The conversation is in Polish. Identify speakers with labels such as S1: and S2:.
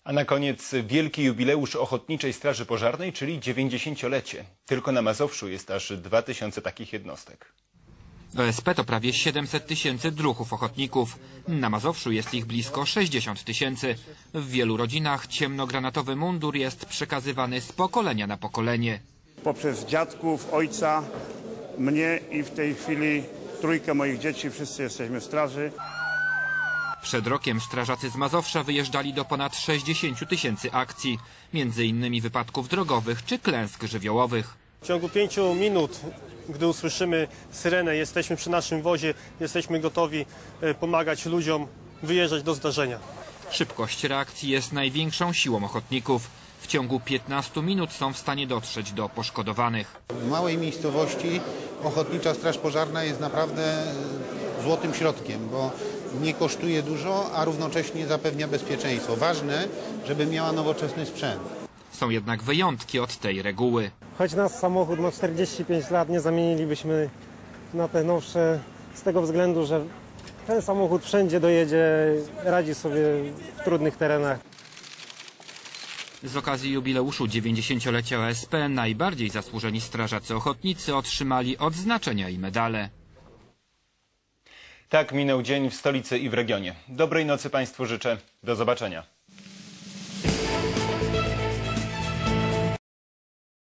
S1: A na koniec wielki jubileusz Ochotniczej Straży Pożarnej, czyli 90-lecie. Tylko na Mazowszu jest aż 2000 takich jednostek.
S2: OSP to prawie 700 tysięcy druhów ochotników. Na Mazowszu jest ich blisko 60 tysięcy. W wielu rodzinach ciemnogranatowy mundur jest przekazywany z pokolenia na pokolenie.
S3: Poprzez dziadków, ojca, mnie i w tej chwili trójkę moich dzieci, wszyscy jesteśmy w straży.
S2: Przed rokiem strażacy z Mazowsza wyjeżdżali do ponad 60 tysięcy akcji, między innymi wypadków drogowych czy klęsk żywiołowych.
S4: W ciągu 5 minut, gdy usłyszymy syrenę, jesteśmy przy naszym wozie, jesteśmy gotowi pomagać ludziom wyjeżdżać do zdarzenia.
S2: Szybkość reakcji jest największą siłą ochotników. W ciągu 15 minut są w stanie dotrzeć do poszkodowanych.
S5: W małej miejscowości Ochotnicza Straż Pożarna jest naprawdę złotym środkiem, bo nie kosztuje dużo, a równocześnie zapewnia bezpieczeństwo. Ważne, żeby miała nowoczesny sprzęt.
S2: Są jednak wyjątki od tej reguły.
S4: Choć nasz samochód ma 45 lat, nie zamienilibyśmy na te nowsze z tego względu, że ten samochód wszędzie dojedzie, radzi sobie w trudnych terenach.
S2: Z okazji jubileuszu 90-lecia OSP najbardziej zasłużeni strażacy ochotnicy otrzymali odznaczenia i medale.
S1: Tak minął dzień w stolicy i w regionie. Dobrej nocy Państwu życzę. Do zobaczenia.